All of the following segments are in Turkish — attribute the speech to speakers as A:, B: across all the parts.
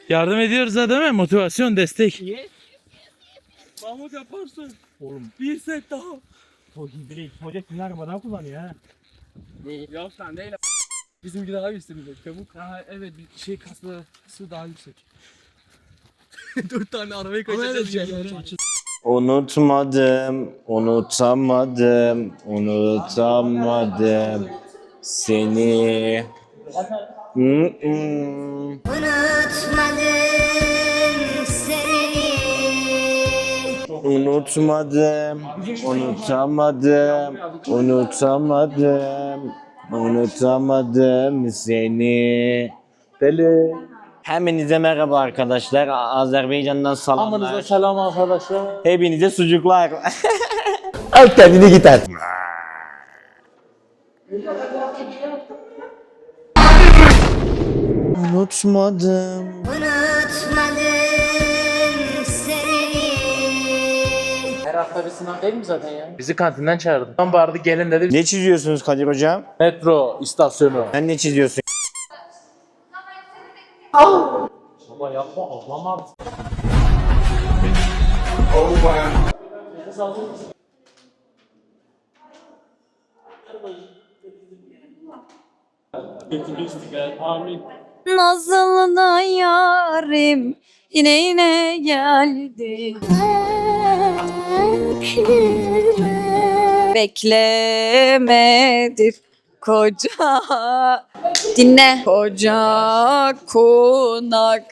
A: Yardım ediyoruz ha değil mi? Motivasyon, destek.
B: Mahmut yaparsın.
C: Oğlum.
B: Bir set daha.
C: Hoca kimler aramadan kullanıyor ha.
B: Ya sen değil. Bizimki daha yüksek bir de çabuk. Ha evet bir şey kasası daha yüksek. 4 tane arabayı kaçacağız yani.
D: Unutmadım, unutamadım, unutamadım seni.
E: Unutmadım seni.
D: Unutmadım, unutamadım, unutamadım, unutamadım seni. Deli. Hepinize merhaba arkadaşlar. Azerbaycan'dan
A: Amanıza
D: selamlar.
A: selam arkadaşlar.
D: Hepinize sucuklar. Al kendini git at. Unutmadım.
E: Unutmadım seni.
A: Her hafta bir sınav değil mi zaten ya? Bizi kantinden çağırdı. Tam bağırdı gelin dedi.
D: Ne çiziyorsunuz Kadir hocam?
A: Metro istasyonu.
D: Sen ne çiziyorsun?
A: Baba yapma ablam abi.
F: Nazlı da yarim yine geldi. Beklemedir koca dinle koca konak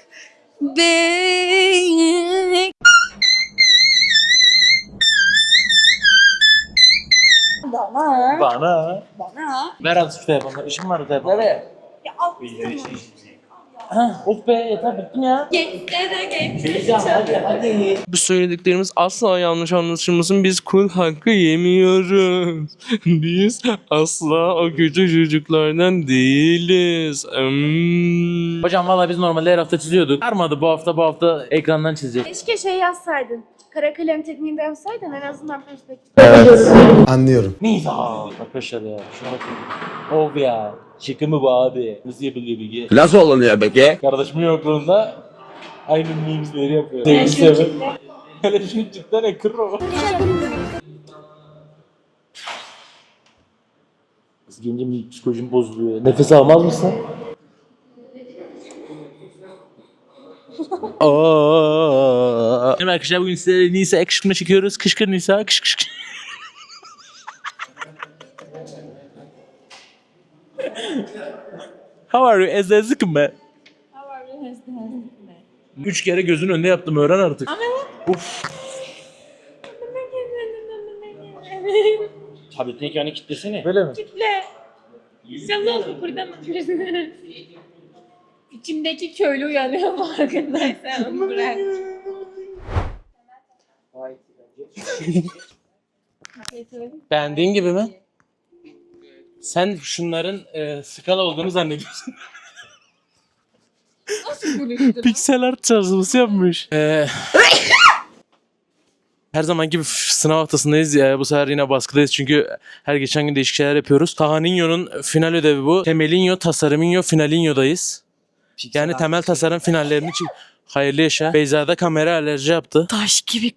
F: bek.
A: Bana.
F: Bana.
A: Ver az şu telefonu. İşim var telefon. Nereye?
F: Ya al.
A: Ha, of be yeter bittim ya.
B: Bu söylediklerimiz asla yanlış anlaşılmasın. Biz kul hakkı yemiyoruz. Biz asla o kötü çocuklardan değiliz.
A: Hocam valla biz normalde her hafta çiziyorduk. Sarmadı bu hafta ekrandan çizecek.
G: Keşke şey yazsaydın. Kara kalem tekniğinde yazsaydın en azından perspektif.
H: Anlıyorum.
A: Neyse arkadaşlar ya şuna bakın. Of ya. Şaka mı bu abi? Nasıl yapılıyor bilgi?
H: Nasıl olunuyor peki?
A: Kardeşimin yokluğunda aynı memesleri yapıyor. Sevgisi yapıyor. Hele şu cidden ekro. Kız gelince bir psikolojim bozuluyor. Nefes almaz mısın? Merhaba arkadaşlar bugün size Nisa kışkırtma çekiyoruz. Kışkır Nisa kış kış kış. How are you? Ezezlik mi?
G: How are you?
A: 3 kere gözün önünde yaptım öğren artık. Uf. Tabletin ekranı kilitlesene. Böyle mi?
G: Kitle. Sen ne oldu buradan bakıyorsun? İçimdeki köylü uyanıyor farkındaysan onu bırak.
A: Beğendiğin gibi mi? Sen şunların skala olduğunu zannediyorsun.
G: Nasıl konuştun?
A: Piksel art çalışması yapmış. Her zaman gibi sınav haftasındayız. Bu sefer yine baskıdayız çünkü her geçen gün değişik şeyler yapıyoruz. Tahaninyo'nun final ödevi bu. Temelinyo, Tasarıminyo, Finalinyo'dayız. Yani temel tasarım finallerini hayırlı yaşa. Beyza da kamera alerji yaptı.
F: Taş gibi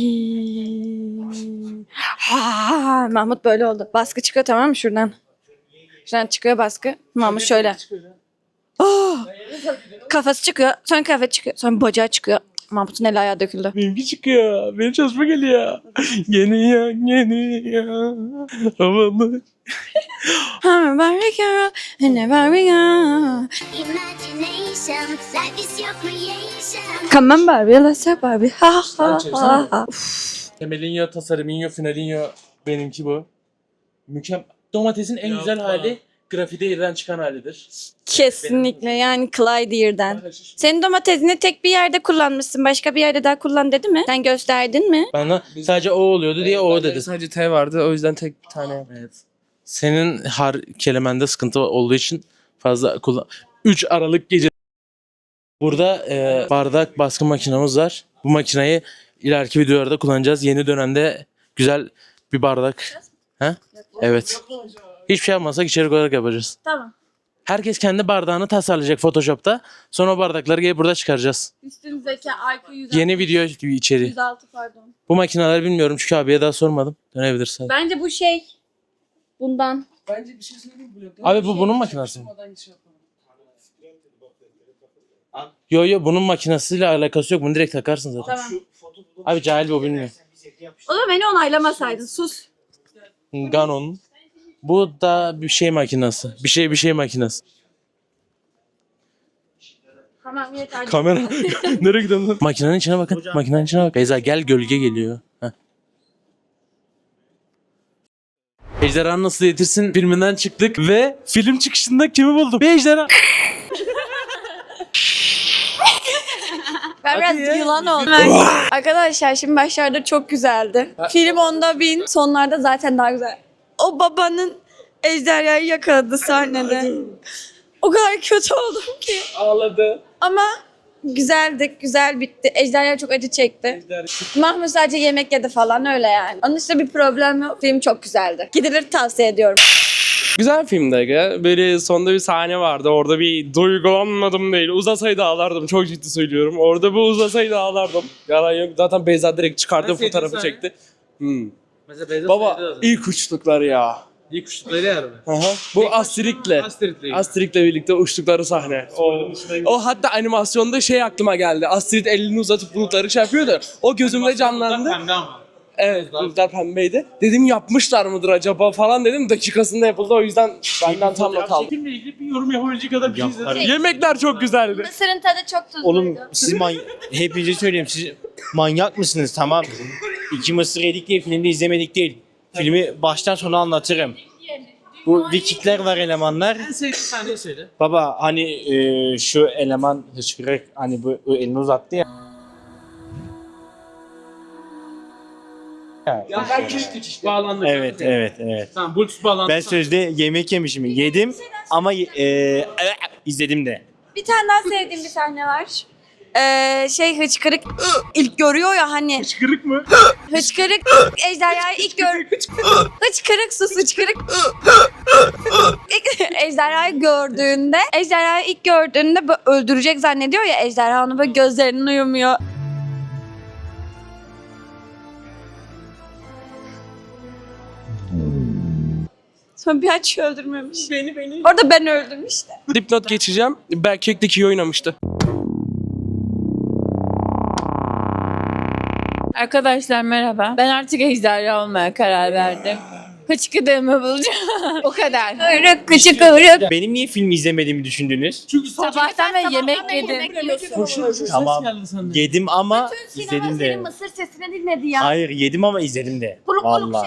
F: karim. Ha, Mahmut böyle oldu. Baskı çıkıyor tamam mı şuradan? Şuradan çıkıyor baskı. Mahmut şöyle. Oh! Kafası çıkıyor. Sonra kafası çıkıyor. Sonra bacağı çıkıyor. Mahmut'un eli ayağı döküldü.
A: Benimki çıkıyor. Benim çalışma geliyor. Geliyor, geliyor. Havalı.
F: Come Barbie girl, and Barbie girl.
E: Imagination, life is your creation.
F: Come on Barbie, let's have Barbie. Ha ha ha ha.
A: Temelinyo, Tasarıminyo, Finalinyo. Benimki bu. Mükemmel. Domatesin en güzel hali grafide yerden çıkan halidir.
F: Kesinlikle yani Clyde'den. Senin domatesini tek bir yerde kullanmışsın. Başka bir yerde daha kullan dedi mi? Sen gösterdin mi?
A: Bana sadece o oluyordu diye o dedi.
B: Sadece T vardı o yüzden tek bir tane yaptım.
A: Evet. Senin her kelimende sıkıntı olduğu için fazla kullan. 3 Aralık gece. Burada bardak baskı makinamız var. Bu makineyi ileriki videolarda kullanacağız. Yeni dönemde güzel bir bardak. Ha? Evet. Hiçbir şey yapmasak içerik olarak yapacağız.
F: Tamam.
A: Herkes kendi bardağını tasarlayacak Photoshop'ta. Sonra o bardakları gelip burada çıkaracağız.
F: Üstünüzdeki IQ 106.
A: Yeni video içeriği.
F: 106 pardon.
A: Bu makineleri bilmiyorum çünkü abiye daha sormadım. Dönebilirsin.
F: Bence bu şey. Bundan.
B: Bence bir şey söyleyeyim mi?
A: Abi bu bunun makinesi mi? Yo bunun makinesiyle alakası yok. Bunu direkt takarsın zaten.
F: Tamam.
A: Abi cahil bu bilmiyor.
F: O da beni onaylamasaydın. Sus.
A: Ganon. Bu da bir şey makinesi. Bir şey makinesi.
F: Tamam yeter.
A: Kamera. Nereye gidiyorsun lan? Makinenin içine bakın. Makinenin içine bak. Beyza gel gölge geliyor. Heh. Ejderhanı Nasıl Eğitirsin filminden çıktık ve film çıkışında kimi buldum? Bir ejderha.
F: Ben biraz
A: Hadi ya.
F: yılan oldum. Arkadaşlar şimdi başlarda çok güzeldi. Film 10'da 1000, sonlarda zaten daha güzel. O babanın ejderhayı yakaladı sahnede. O kadar kötü oldum ki.
B: Ağladı.
F: Ama güzeldi, güzel bitti. Ejderha çok acı çekti. Mahmut sadece yemek yedi falan öyle yani. Onun dışında bir problem yok. Film çok güzeldi. Gidilir, tavsiye ediyorum.
B: Güzel filmdi aga. Böyle sonda bir sahne vardı. Orada bir duygulanmadım değil. Uzasaydı ağlardım. Çok ciddi söylüyorum. Orada bu uzasaydı ağlardım. Yalan yok. Zaten Beyza direkt çıkardı fotoğrafı çekti. Baba ilk uçtuklar ya.
A: İlk uçtukları yer mi?
B: Bu Astrid'le birlikte uçtukları sahne. O hatta animasyonda şey aklıma geldi. Astrid elini uzatıp bulutları şey yapıyordu. O gözümde canlandı.
A: Pembe ama.
B: Evet, bulutlar pembeydi. Dedim yapmışlar mıdır acaba falan dedim. Dakikasında yapıldı, o yüzden benden tam not aldım.
A: Filmle ilgili bir yorum yapabilecek kadar bir şey izledim.
B: Yemekler çok güzeldi.
F: Mısırın tadı çok tuzluydu.
D: Oğlum siz hepinize söyleyeyim, siz manyak mısınız, tamam? 2 mısır yedik diye filmde izlemedik değil. Filmi baştan sona anlatırım. Bu Vikingler var, elemanlar.
A: En sevdiğin sahneyi söyle.
D: Baba hani şu eleman hıçkırık hani bu elini uzattı ya.
A: Ya ben küçük işte. Bağlandık.
D: Evet.
A: Tamam Bluetooth bağlandı.
D: Ben sözde yemek yemişim. Yedim ama izledim de.
F: Bir tane daha sevdiğim bir sahne var. Hıçkırık ilk görüyor ya hani.
A: Hıçkırık mı?
F: Hıçkırık ejderhayı ilk Hıçkırık sus hıçkırık. Ejderhayı ilk gördüğünde böyle öldürecek zannediyor ya ejderha, onu böyle gözlerinin uyumuyor. Sonra bir açıyor, öldürmemiş. Beni. Orada ben öldüm işte.
B: Dipnot geçeceğim. Berkek'teki iyi oynamıştı.
G: Arkadaşlar merhaba. Ben artık ejderha olmaya karar verdim. Hıçkıdığımı bulacağım. O kadar.
F: Kıvrık kıçı kıvrık.
D: Benim niye film izlemediğimi düşündünüz?
A: Çünkü
G: Sabahtan beri yemek yedim.
D: Tamam.
A: geldi sende.
D: Yedim ama izledim de.
F: Mısır sesini dinledi ya.
D: Hayır yedim ama izledim de. Vallahi.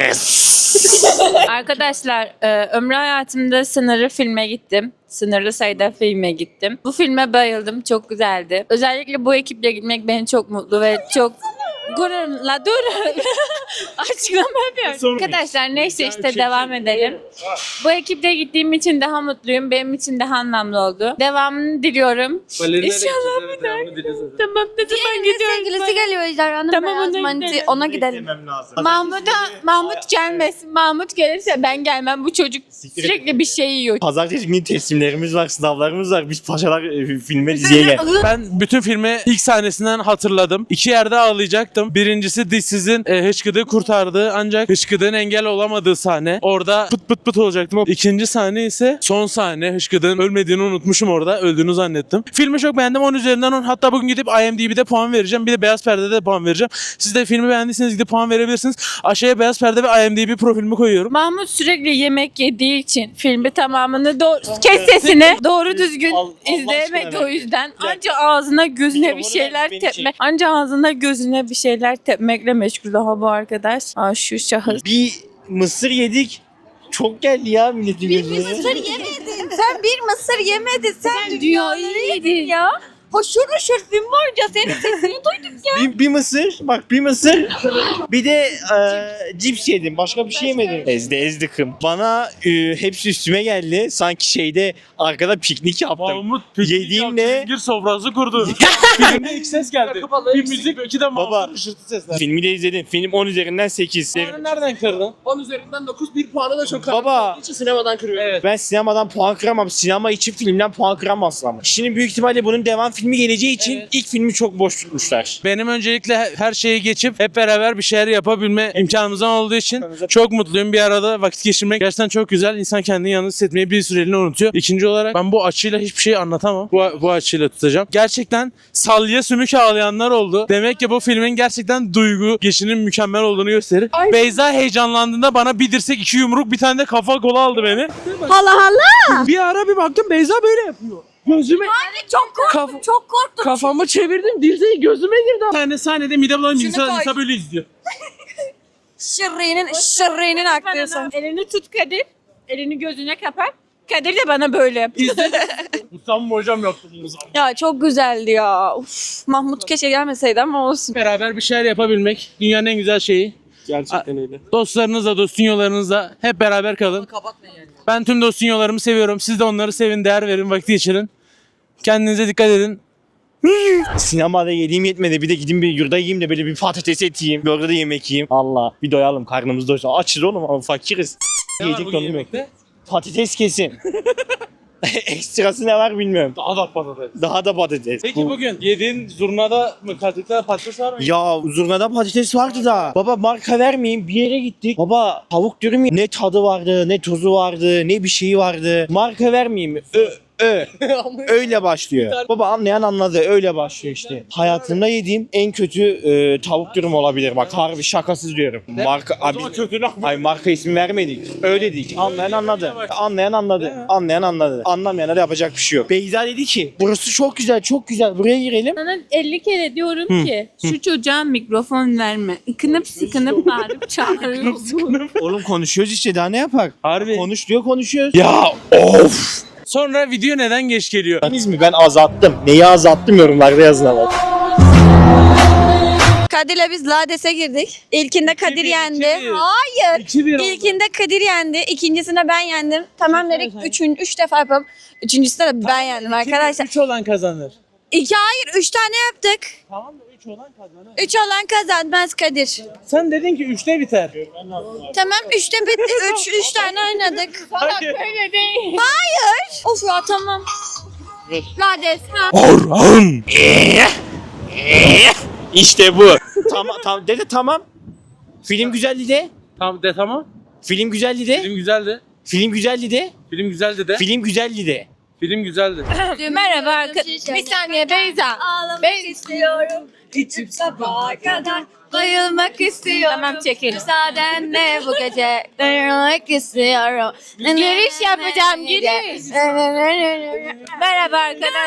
G: Arkadaşlar ömrü hayatımda sınırlı filme gittim. Sınırlı sayıda filme gittim. Bu filme bayıldım. Çok güzeldi. Özellikle bu ekiple gitmek beni çok mutlu ve çok gururla dur. Açıklama yapıyorum. Arkadaşlar neyse işte devam edelim. Bu ekiple gittiğim için daha mutluyum. Benim için daha anlamlı oldu. Devamını diliyorum. İnşallah bir daha. Tamam ne zaman gidiyoruz?
F: Sevgilisi geliyor ejderhanın.
G: Tamam,
F: beyaz
G: ona
F: manti.
G: gidelim.
F: Ona gidelim.
G: Mahmut gelmesin. Mahmut gelirse ben gelmem. Bu çocuk sürekli bir şey yiyor.
D: Pazartesi günü teslimlerimiz var, sınavlarımız var. Biz paşalar filme diziye gel.
A: Ben bütün filmi ilk sahnesinden hatırladım. 2 yerde ağlayacaktım. Birincisi dişsizin hıçkıdığı kurtardığı ancak hıçkıdığın engel olamadığı sahne. Orada pıt pıt olacaktım. İkinci sahne ise son sahne. Hıçkıdığın ölmediğini unutmuşum orada. Öldüğünü zannettim. Filmi çok beğendim. 10 üzerinden 10. Hatta bugün gidip IMDb'de puan vereceğim. Bir de Beyaz Perde'de de puan vereceğim. Siz de filmi beğendiyseniz gidip puan verebilirsiniz. Aşağıya Beyaz Perde ve IMDb profilimi koyuyorum.
G: Mahmut sürekli yemek yediği için filmi tamamını kes sesini doğru düzgün
D: Allah
G: izleyemedi
D: aşkına
G: o yüzden. Anca ağzına gözüne bir şeyler tepmek. Anca ağzına gözüne bir şeyler tepmekle meşgul daha bu arkadaş. Aa şu şahıs.
D: Bir mısır yedik. Çok geldi ya milletin gözüne.
F: Mısır yemedin. Sen bir mısır yemedin. Sen
G: Dünyayı yedin
F: ya. Hoşur hoşur film boyunca senin sesini duyduk ya.
D: Bir mısır, bak bir mısır. Bir de cips yedim. Başka bir şey yemedim. Ezdikim. Bana hepsi üstüme geldi. Sanki şeyde arkada piknik yaptım.
A: Mahmut
D: Yediğimle
A: Zincir sofrası kurdu. Filmde ilk ses geldi. Bir müzik, iki de
D: Baba.
A: Mahmut ışırtı sesler.
D: filmi de izledim. Film 10 üzerinden 8.
A: Nereden kırdın?
B: 10 üzerinden 9, bir puanı da çok
D: Baba.
B: için sinemadan kırıyorum.
A: Evet.
D: Ben sinemadan puan kıramam. Sinema için filmden puan kıramazsın ama. Şimdi büyük ihtimalle bunun devam filmi geleceği için ilk filmi çok boş tutmuşlar.
A: Benim öncelikle her şeyi geçip hep beraber bir şeyler yapabilme imkanımızdan olduğu için çok mutluyum. Bir arada vakit geçirmek gerçekten çok güzel. İnsan kendini yalnız hissetmeyi bir süreliğine unutuyor. İkinci olarak ben bu açıyla hiçbir şey anlatamam. Bu açıyla tutacağım. Gerçekten salya sümük ağlayanlar oldu. Demek ki bu filmin gerçekten duygu geçinin mükemmel olduğunu gösterir. Beyza heyecanlandığında bana bir dirsek, iki yumruk, bir tane de kafa kola aldı beni.
F: Hala hala.
B: Bir ara bir baktım Beyza böyle yapıyor. Gözüme
F: Çok korktum. Çok korktum.
B: kafamı çevirdim, dirseği gözüme girdi.
A: Bir tane sahnede mide bulanınca
F: Şunu koy.
A: insan böyle izliyor.
F: Şırrinin aktıyorsun.
G: Elini tut Kadir. Elini gözüne kapat. Kadir de bana böyle.
A: Utanma hocam yaptı bunu zaten.
F: Ya çok güzeldi ya. Uf, Mahmut keşke gelmeseydi ama olsun.
A: Beraber bir şeyler yapabilmek dünyanın en güzel şeyi.
B: Gerçekten öyle.
A: Dostlarınızla, dostunyolarınızla hep beraber kalın. Ben tüm dostunyolarımı seviyorum. Siz de onları sevin, değer verin, vakit geçirin. Kendinize dikkat edin.
D: Sinemada yediğim yetmedi. Bir de gideyim bir yurda yiyeyim de böyle bir patates et yiyeyim. Bir orada da yemek yiyeyim. Allah bir doyalım karnımız doysun. Açız oğlum ama fakiriz. Yiyecek de onu yemek. Patates kesin. Ekstrası ne var bilmiyorum.
A: Daha da patates.
D: Daha da patates.
A: Peki bugün yediğin zurnada mı katıkta patates var mı?
D: Ya zurnada patates vardı da. Baba marka vermeyeyim bir yere gittik. Baba tavuk dürüm ne tadı vardı ne tozu vardı ne bir şeyi vardı. Marka vermeyeyim. Öyle başlıyor. Baba anlayan anladı. Öyle başlıyor işte. Hayatımda yediğim en kötü tavuk dürüm olabilir. Bak harbi şakasız diyorum. Marka abi. Hayır marka ismi vermedik. Öyle dedik. Anlayan anladı. Anlayan anladı. Anlayan anladı. Anlamayana da yapacak bir şey yok. Beyza dedi ki burası çok güzel çok güzel. Buraya girelim.
G: Sana 50 kere diyorum ki şu çocuğa mikrofon verme. Ikınıp sıkınıp bağırıp çağırıyorsun.
D: Oğlum konuşuyoruz işte daha ne yapar?
A: Harbi.
D: Konuş diyor konuşuyoruz.
A: Ya of. Sonra video neden geç geliyor?
D: Ben azalttım. Neyi azalttım yorumlarda yazın ama.
F: Kadir'le biz Lades'e girdik. İlkinde Kadir
A: 2-1,
F: yendi.
A: 2-1.
F: Hayır.
A: 2-1 oldu.
F: İlkinde Kadir yendi. İkincisinde ben yendim. Tamam dedik. Üç defa yapalım. Üçüncüsünde de ben yendim arkadaşlar.
A: 3 olan kazanır.
F: Hayır 3 tane yaptık.
A: Tamam da 3 olan kazanır.
F: 3 olan kazanmaz Kadir.
A: Sen dedin ki 3'te biter.
F: Tamam 3'te bitti. 3 tane oynadık.
A: Hayır.
G: Öyle değil.
F: Hayır. Of ya tamam. Lades. Ha.
A: Orhan.
D: İşte bu. Tamam dedi tamam. Film güzeldi de.
A: Tamam de tamam.
D: Film güzeldi de.
A: Film güzeldi.
D: Film güzeldi de.
A: Film güzeldi de.
D: Film güzeldi de.
A: Film güzeldi.
G: Merhaba arkadaşlar. Bir saniye Beyza.
F: Ağlamak istiyorum. İçip sabaha kadar bayılmak istiyorum.
G: Tamam çekelim.
F: Müsaadenle bu gece bayılmak istiyorum.
G: Giriş yapacağım giriş. Merhaba arkadaşlar.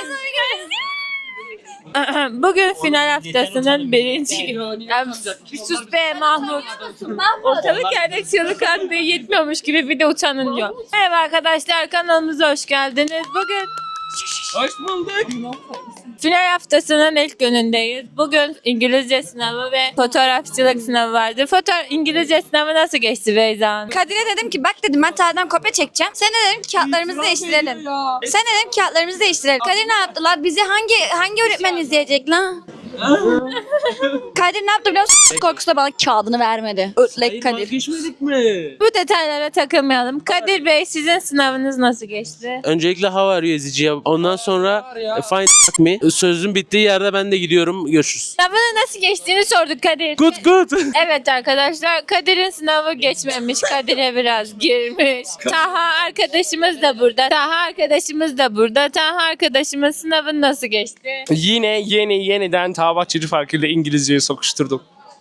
G: Bugün final haftasının birinci günü. Bir sus be Mahmut. Ortalık yerde çığlık attığı yetmiyormuş gibi bir de utanılıyor. Merhaba arkadaşlar kanalımıza hoş geldiniz. Bugün
A: Hoş bulduk.
G: final haftasının ilk günündeyiz. Bugün İngilizce sınavı ve fotoğrafçılık sınavı vardı. İngilizce sınavı nasıl geçti Beyza Hanım?
F: Kadir'e dedim ki bak dedim ben tarihten kopya çekeceğim. Sen de dedim ki kağıtlarımızı değiştirelim. Sen de dedim kağıtlarımızı değiştirelim. Kadir ne yaptılar? Bizi hangi öğretmen izleyecek lan? Kadir ne yaptı biliyor musun? Korkusuyla bana kağıdını vermedi. Ötlek Kadir.
A: Geçmedik mi?
G: Bu detaylara takılmayalım. Kadir Bey sizin sınavınız nasıl geçti?
A: Öncelikle how are you eziciye. Ondan sonra fine me. Sözün bittiği yerde ben de gidiyorum. Görüşürüz.
G: Sınavının nasıl geçtiğini sorduk Kadir.
A: Good.
G: Evet arkadaşlar Kadir'in sınavı geçmemiş. Kadir'e biraz girmiş. Taha arkadaşımız da burada. Taha arkadaşımın sınavı nasıl geçti?
B: Yine yeniden Bahçeci farkıyla İngilizceyi sokuşturdum.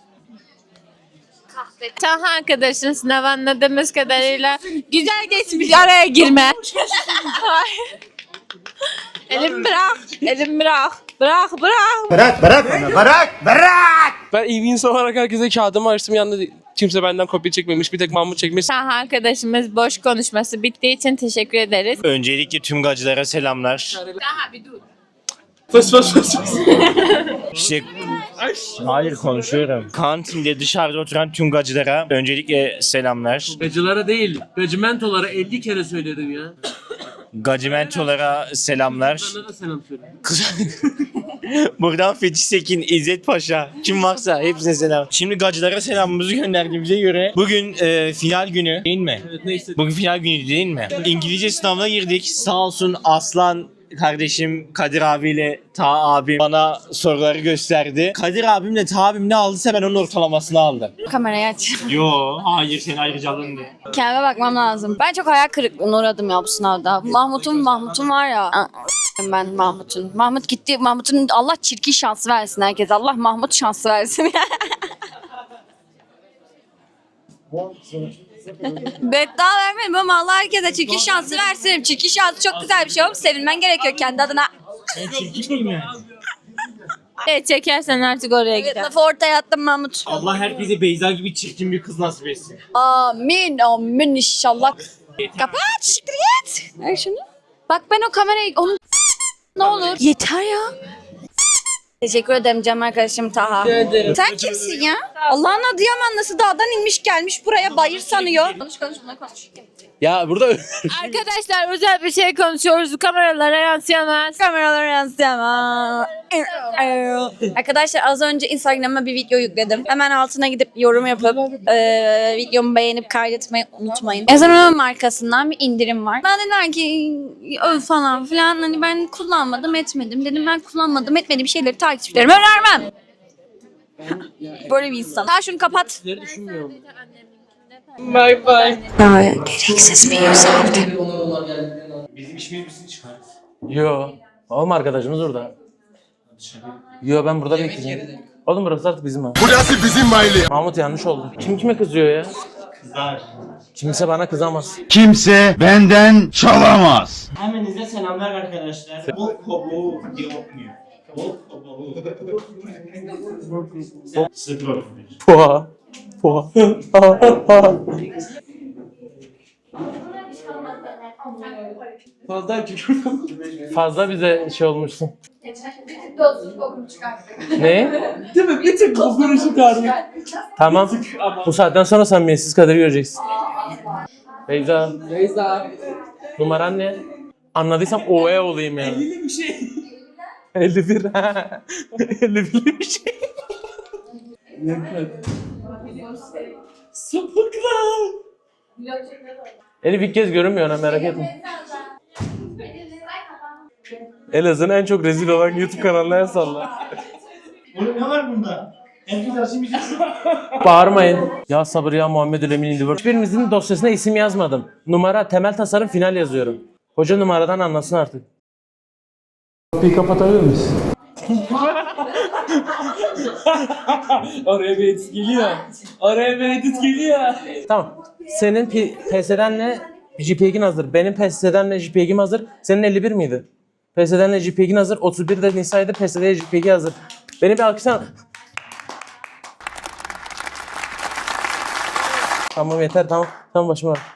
G: Taha arkadaşın sınavı anladığımız kadarıyla güzel geçmiş. Araya girme. Hayır. Elim bırak. Bırak.
B: Ben iyi bir insan olarak herkese kağıdımı açtım. Yanında kimse benden kopya çekmemiş. Bir tek Mahmut çekmiş.
G: Taha arkadaşımız boş konuşması bittiği için teşekkür ederiz.
D: Öncelikle tüm gacılara selamlar.
G: Taha bir dur.
A: Fıs fıs fıs fıs.
D: İşte hayır konuşuyorum. Kantinde dışarıda oturan tüm gacılara öncelikle selamlar.
A: Gacılara değil, gacımentolara 50 kere söyledim ya.
D: Gacimentolara selamlar.
A: Bana da selam söyle.
D: Buradan Fethi Sekin, İzzet Paşa, kim varsa hepsine selam. Şimdi gacılara selamımızı gönderdiğimize göre bugün final günü değil mi?
A: Evet neyse.
D: Bugün final günü değil mi? İngilizce sınavına girdik. Sağ olsun Aslan kardeşim Kadir abiyle Ta abim bana soruları gösterdi. Kadir abimle Ta abim ne aldıysa ben onun ortalamasını aldım.
F: Kamerayı aç.
D: Yo, hayır sen ayrıcalığın diye.
F: Kendime bakmam lazım. Ben çok hayal kırıklığına uğradım ya bu sınavda. Mahmut'un var ya. Ben Mahmut'un. Mahmut gitti. Mahmut'un Allah çirkin şansı versin herkese. Allah Mahmut şansı versin. Beddua vermedim ama Allah herkese çirkin şansı versin. Çirkin şansı çok güzel bir şey oğlum. Sevilmen gerekiyor kendi adına.
D: Çirkin değil mi?
G: Evet çekersen artık oraya
F: Evet,
G: gider.
F: lafı ortaya attım Mahmut.
D: Allah herkese Beyza gibi çirkin bir kız nasip etsin.
F: Amin amin inşallah. Kapat siktir git. Ver şunu. Bak ben o kamerayı onu ne olur. Yeter ya. Teşekkür ederim canım arkadaşım Taha. Sen kimsin ya? Allah'ın Adıyaman nasıl dağdan inmiş gelmiş buraya bayır sanıyor. Konuş buna konuş.
A: Ya burada
G: Arkadaşlar özel bir şey konuşuyoruz. Kameralara yansıyamaz.
F: Kameralara yansıyamam. Arkadaşlar az önce Instagram'a bir video yükledim. Hemen altına gidip yorum yapıp videomu beğenip kaydetmeyi unutmayın. Ezan'ın markasından bir indirim var. Ben dediler ki öv falan filan hani ben kullanmadım etmedim. Dedim ben kullanmadım etmediğim şeyleri takipçilerime önermem. Böyle bir insan. Ha şunu kapat.
A: düşünmüyorum.
B: Bye bye.
F: Gereksiz bir yükseldi.
D: Bizim işimiz misin çıkar?
A: Yo. Oğlum arkadaşımız orada. Yo ben burada bekleyeceğim. Oğlum burası artık bizim ha.
H: Burası bizim mahalle.
A: Mahmut yanlış oldu. Kim kime kızıyor ya?
D: Kızlar.
A: Kimse bana kızamaz.
H: Kimse benden çalamaz.
D: Hemenize selamlar arkadaşlar. Bol kabuğu diye okunuyor. Bol kabuğu. Sıfır.
A: Poha. Poha. Fazla bize şey olmuşsun. Ne?
B: Değil mi? Bir tık kokunu çıkardık.
A: Tamam. Bu saatten sonra samimiyetsiz Kadir'i göreceksin. Beyza.
B: Beyza.
A: Numaran ne? Anladıysam OE olayım yani.
B: 50'li bir şey.
A: 51. 51'li bir şey.
B: Sapıklar.
A: Elif ilk kez görünmüyor ha merak etme. Elazığ'ın en çok rezil olan YouTube kanalına el salla.
D: Oğlum ne var bunda? Herkes aşım
A: Bağırmayın. Ya sabır ya Muhammed Emin İldivar. Hiçbirimizin dosyasına isim yazmadım. Numara temel tasarım final yazıyorum. Hoca numaradan anlasın artık. Kapıyı kapatabilir miyiz?
B: Oraya bir edit geliyor. Oraya bir edit geliyor.
A: Tamam. Senin PS'denle JPEG'in hazır. Benim PS'denle JPEG'im hazır. Senin 51 miydi? PS'denle JPEG'in hazır. 31 de Nisa'ydı. PS'de JPEG hazır. Beni bir alkışlasana. Tamam yeter tamam. Tamam başıma bak.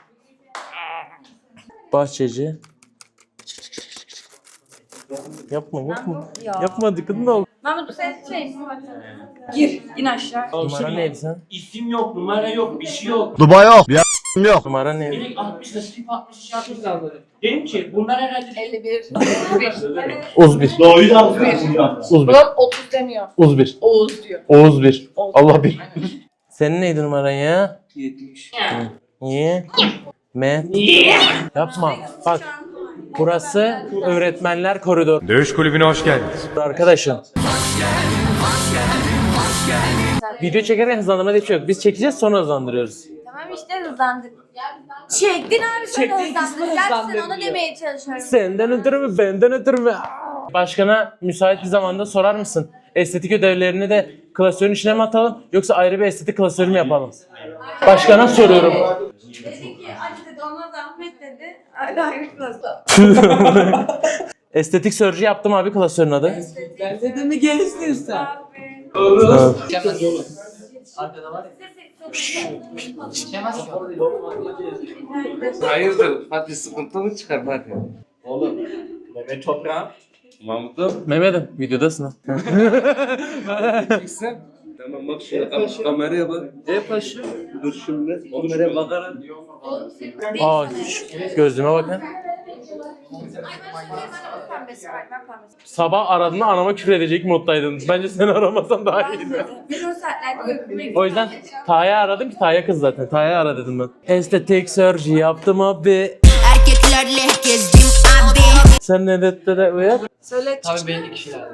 A: Bahçeci. Yapma. Yapma dikkatini al.
F: Mahmut sen şey gir in aşağı.
A: Numara neydi sen?
D: İsim yok, numara yok, bir şey yok.
H: Duba yok. Bir yok.
A: Numara neydi?
D: Direkt 60 dakika 60 yapmış lazım. Dedim ki bunlar herhalde
F: 51.
A: Oğuz 1.
D: doğruyu da
A: Oğuz 1.
F: 30 demiyor.
A: Oğuz 1.
F: Oğuz diyor.
A: Oğuz 1. Allah 1. Senin neydi numaran ya?
B: 70.
A: Niye? Yapma. Bak. Burası öğretmenler koridoru.
H: Dövüş kulübüne hoş geldiniz.
A: Arkadaşım. Video çekerken hızlandırma diye bir şey yok. Biz çekeceğiz sonra hızlandırıyoruz.
F: Tamam işte hızlandık. Çektin abi sonra hızlandıracaksın onu demeye çalışıyorum.
A: Senden ötürü mü benden ötürü mü? Başkana müsait bir zamanda sorar mısın? Estetik ödevlerini de klasörün içine mi atalım yoksa ayrı bir estetik klasörü mü yapalım? Başkana soruyorum.
F: Dedi ki Ali dedi ona zahmet dedi. Ayrı klasör.
A: Estetik sörcü yaptım abi klasörün adı.
B: Ben de mi gelsin sen?
I: Hayırdır? Hadi sıkıntı mı çıkar hadi?
D: Oğlum Mehmet Toprağ
B: Mahmut'um.
A: Mehmet'im videodasın ha.
B: Tamam bak şurada kameraya bak. Paşa. Dur şimdi. Kameraya bakarak.
A: Aa gözlüğüme bakın. Sabah aradığında anama küfür edecek moddaydın. Bence seni aramasan daha iyiydi. O yüzden Taha'yı aradım ki Taha'ya kız zaten. Taha'ya ara dedim ben. Estetik surgery yaptım abi.
E: Erkeklerle gezdim abi.
A: Sen ne dedin de uyar?
F: Söyle.
C: Tabii benim kişilerdi.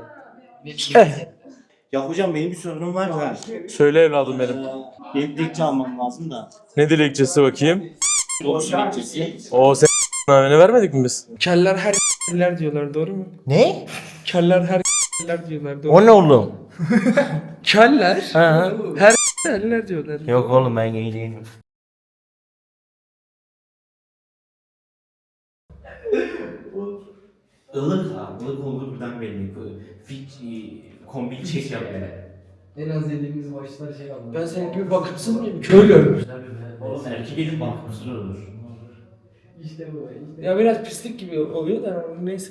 D: Ya hocam benim bir sorunum var da.
A: Söyle evladım benim.
D: Benim dilekçe almam lazım da.
A: Ne dilekçesi bakayım?
D: Doğuş dilekçesi.
A: O sen ne vermedik mi biz?
B: Keller her diyorlar doğru mu?
D: Ne?
B: Keller her diyorlar doğru mu?
D: O ne oğlum?
B: Keller
D: Ha.
B: her diyorlar.
D: Yok oğlum ben gay değilim. Ilık ha. Ilık olduğu buradan belli. Fit kombin çek yapıyor.
C: En az yediğimiz başlar şey aldı.
B: Ben senin gibi bakımsız mıyım? Köylü.
D: Oğlum erkek elin bakımsız olur.
C: İşte bu.
B: Ya biraz pislik gibi oluyor da neyse.